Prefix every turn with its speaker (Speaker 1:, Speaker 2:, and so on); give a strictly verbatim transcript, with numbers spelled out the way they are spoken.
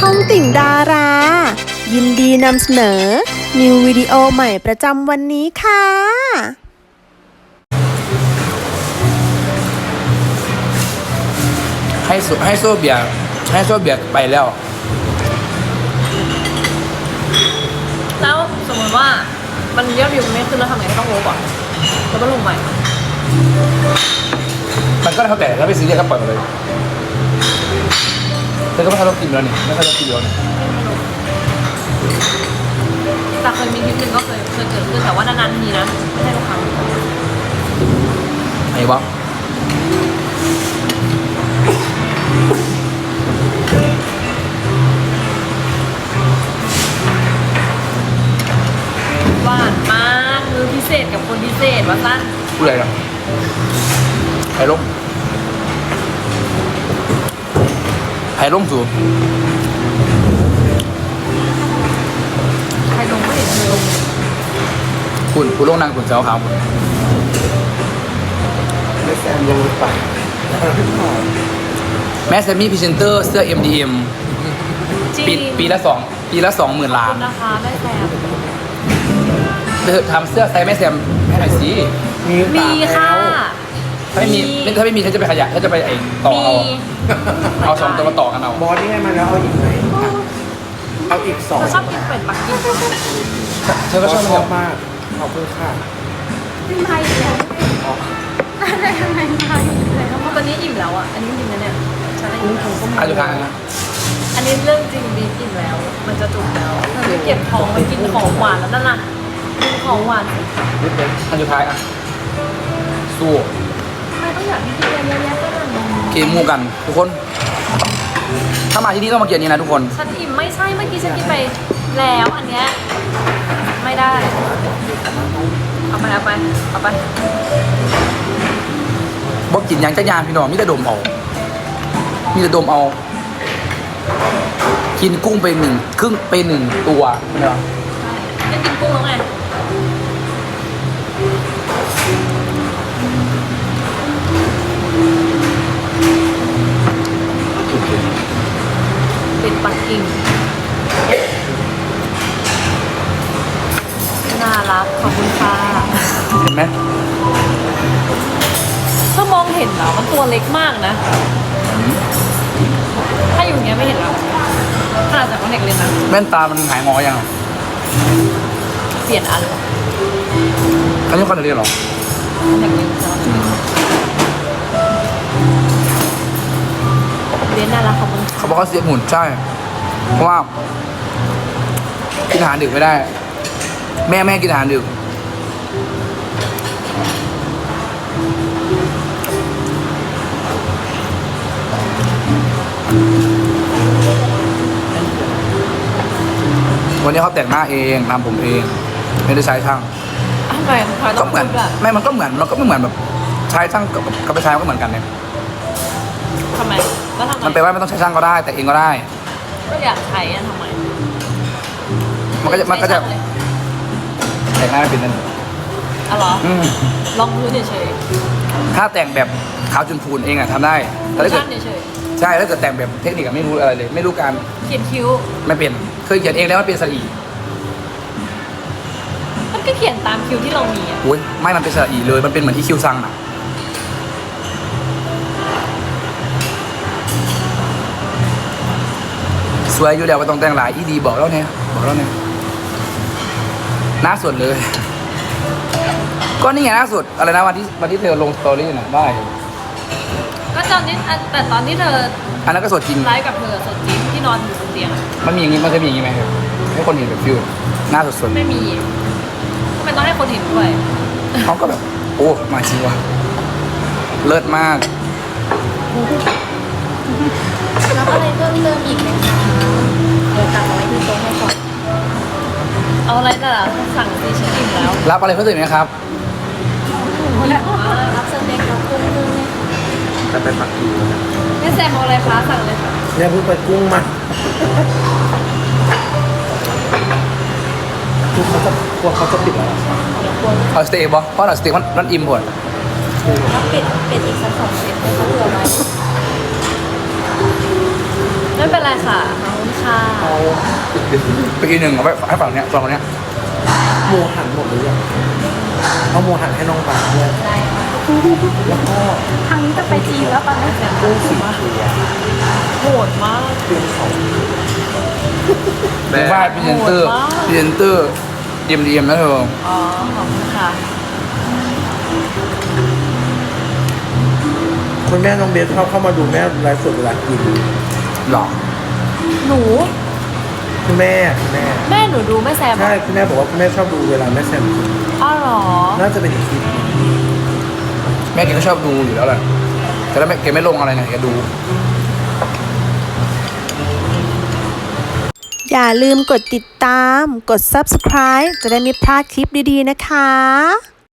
Speaker 1: องติ่งดารา ยินดีนำเสนอ นิววิดีโอใหม่ประจำวันนี้ค่ะ
Speaker 2: ให้โซให้โซเบียให้โซเบียไปแล้ว
Speaker 3: แล้วสมมติว่ามันยอดวิวมันไม่ขึ้นแล้วทำไงต้องลบก่อนแล้วก็ลงใหม่
Speaker 2: มันก็เท่าแต่ถ้าไปซื้อเนี่ยก็ปล่อยมาเลยแต่ก็ไม่ค่อยลบกินแล้วนี่ไม่ค่อยลบกินแล้วนี่
Speaker 3: แต่เคยมีคลิปหนึ่งก็เคยเคยเกิดขึ้นแต่ว่านานๆทีนะไม่ใช่ทุกครั้ง
Speaker 2: ไอ้บ้า
Speaker 3: หวานมากมือพิเศษกับคนพิเศษว่าสั้น
Speaker 2: พูดอะไรนะไผ่ล่มไผ่ล่มสูง
Speaker 3: ใครลงไม่เห็นเธอลง
Speaker 2: คุณคุณลงนางคุณเจ้าขาวคุณ
Speaker 4: ไม่แซมยังไป
Speaker 2: แม่แซมมี่พรีเซนเตอร์เสื้อ เอ็ม ดี เอ็ม
Speaker 3: จริง
Speaker 2: ปีปีละสองปีละสองหมื่น
Speaker 3: ขอบ
Speaker 2: ล้าน
Speaker 3: คุณนะคะแม่แซม
Speaker 2: เธอทำเสื้อไซส์แม่แซมให้หน่อยสิ
Speaker 4: มี
Speaker 3: มีค่ะ
Speaker 2: ถ้าไม่มีถ้าไม่มีฉันจะไปขยะฉันจะไปไอ้ต่อเอา
Speaker 3: มี
Speaker 2: เอาสองตัวมาต่อกันเอา
Speaker 4: บอสนี่ให้มาแล้วเอาอีกไหมเอาอีกสอง
Speaker 3: เธอชอบกินเป็ดปักกิ่ง
Speaker 2: เธอก็ชอบ
Speaker 4: ช
Speaker 2: ไหม
Speaker 4: อบมากขอบคุณค่ะ
Speaker 3: กินไทยแล้วได้ทำไมไทยแล้วตอนนี้อิ่มแล้วอ่ะอันนี้จริงนะเนี่ยฉันได้อิ่มแล้ว
Speaker 2: อายุทางนะ
Speaker 3: อันนี้เรื่องจริงบีบอิ่มแล้ว มันจะจุกแล้วเธอไม่เก็บท้องมันกินของหวานแล้วนั่นน่ะกินของหวาน
Speaker 4: นิดเดียว
Speaker 2: อายุทายอ่ะสู้
Speaker 3: ทำไมต้องอยากให้กินเยอะแยะขนาดนั้น
Speaker 2: เกมมูกันทุกคน ถ้ามาที่นี่ต้องมาเกียนนี้นะทุกคน
Speaker 3: ฉันอิ่มไม่ใช่เมื่อกี้ฉันกินไปแล้วอันเนี้ยไม่ได้ เอาไปเอาไปเอาไป
Speaker 2: บอกกินหยังจะยานพี่น้องมีแต่ดมเอา มีแต่ดมเอา กินกุ้งไปหนึ่งครึ่งไปหนึ่งตัวเนาะ
Speaker 3: จะกินกุ้งแล้วไงเป็นปักกิ่งน่ารักขอบคุณค่ะ
Speaker 2: เห็นไหม
Speaker 3: ถ้ามองเห็นเหรอมันตัวเล็กมากนะ ถ้าอยู่อย่างเงี้ยไม่เห็นหรอกขนาดจากว่าเด็กเลยนะ
Speaker 2: แว่นตามันหายงอยัง
Speaker 3: เปลี่ยนอันเหรอ
Speaker 2: อันนี้คอนเทนต์เหรอ
Speaker 3: เด็กเลยเรียนน่ารักขอบคุณ
Speaker 2: เขาบอกเขาเสียบหุ่นใช่ เพราะว่ากินอาหารดึกไม่ได้ แม่แม่กินอาหารดึก วันนี้เขาแต่งหน้าเองทำผมเอง ไม่ได้ใช้ช่าง
Speaker 3: ทำไมทำไมต้
Speaker 2: ก็
Speaker 3: อง
Speaker 2: เหมือน
Speaker 3: พูดแบบ
Speaker 2: ไม่มันก็เหมือนมันก็ไม่เหมือนแบบใช้ช่างกับกับไปใช้มันก็เหมือนกันเนี่ย
Speaker 3: ทำไมแล้วทำไม
Speaker 2: มันแปลว่าไม่ต้องใช้ช่างก็ได้ แต่เองก็ได้
Speaker 3: ก็อยากใช้อะทำไม
Speaker 2: มันก็จะมันก็จะ
Speaker 3: ใช้ช่างเลย
Speaker 2: แต่งหน้าไม่เป็นนั่น
Speaker 3: อ๋อเหรอ
Speaker 2: อืม
Speaker 3: ลองพื้นเฉย
Speaker 2: ถ้าแต่งแบบขาวจุนพูนเองอะทำได้
Speaker 3: ๆ
Speaker 2: แต่ถ้าเกิ
Speaker 3: ช่า
Speaker 2: ด
Speaker 3: งเฉย
Speaker 2: ใช่ถ้าเกิดแต่งแบบเทคนิคอะไม่รู้อะไรเลย ไม่รู้การ
Speaker 3: ๆเขียนคิ้ว
Speaker 2: ไม่เป็นเคยเขียนเองแล้วมันเป็นสระอี
Speaker 3: มันก็เขียนตามคิ้วที่เรามีอะ
Speaker 2: โอ้ยไม่มันเป็นสระอีเลยมันเป็นเหมือนที่คิวซังอะสวยอยู่แล้วไม่ต้องแต่งหลายอีดีบอกแล้วเนี่ยบอกแล้วเนี่ยหน้าสดเลย ก็นี่ไงหน้าสดอะไรนะวันที่วันที่เธอลงสตอรี่น่ะได้
Speaker 3: ก็ตอนนี้อันแต่ตอนที่เธอ
Speaker 2: อันนั้นก็สดจริง
Speaker 3: ไลฟ์กับเธอสดจริงที่นอนอยู่บนเตียงอะ
Speaker 2: มันมีอย่างงี้มันเคยมีอย่างงี้ไหมครับให้คนเห็นแบบฟิวหน้าสด
Speaker 3: ไม่มีทำไมต้องให้คนเห็นด้วย
Speaker 2: ๆเขาก็แบบ โอ้มาจริงวะเลิศมาก
Speaker 5: แล้วอะไรเพิ่มเติมอีกไหมคะเดี๋ยวตักเอาไว้ที่โต๊ะให้ก่อน
Speaker 3: เอาอะไรแต่ละสั่งซีฉันอิ่มแล้ว
Speaker 2: รับอะไรเพิ่มเติมไหมครับ
Speaker 5: รับสเต็กแล้วกุ้งด้วยไหมคะ
Speaker 4: จะไปปักกิ่งนะ
Speaker 3: แม่แซมเอาอะไรคะสั่งเลยค่ะ
Speaker 4: เนี่ยเพิ่งไปกุ้งมาคือเขาจะกลัวเขาจะปิดแล้ว
Speaker 2: เอาสเต็กบอเพราะเราสเต็กมันมันอิ่มหมด
Speaker 5: แล้วเป็ดเป็ดอีกสักสองเซตไหมคะเผื่อไว้
Speaker 3: ไม่เป็นไรค่ะขอบคุณค่ะค่ะ
Speaker 4: เอา
Speaker 2: ไปอีกหนึ่งเอาไปให้ฝั่งเนี้ยฝั่งเนี้ย
Speaker 4: หมูหันหมดหรือยังเอาหมูหันให้น้องปลาด้วยแล้วก็
Speaker 3: ทางนี้จะไปจีนแล้วปะไม่เสร็จ
Speaker 4: กุ้งสีเขียว
Speaker 3: โหดมาก
Speaker 4: เป็นของ
Speaker 2: หรือว่าพรีเซนเตอร์
Speaker 3: โหดมาก
Speaker 2: พรีเซนเตอร์เดียมเดียมนะเธอ
Speaker 3: อ๋อขอบคุณค่ะ
Speaker 4: คุณแม่น้องเบสชอบเข้ามาดูแม่ไลฟ์สดเวลากิน
Speaker 2: หรอ
Speaker 3: หนู
Speaker 4: คุณแม่คุณแม่
Speaker 3: แม่หนูดูแม่แซม
Speaker 4: ใช่คุณแม่บอกว่าคุณแม่ชอบดูเวลาแม่แซมกิน
Speaker 3: อ้าวเหรอ
Speaker 4: น่าจะเป็นอีกคลิป
Speaker 2: แม่แกก็ชอบดูอยู่แล้วแหละแต่แล้วแม่แกไม่ลงอะไรไงแกดู
Speaker 1: อย่าลืมกดติดตาม กด ซับสไครบ์ จะได้ไม่พลาดคลิปดีๆนะคะ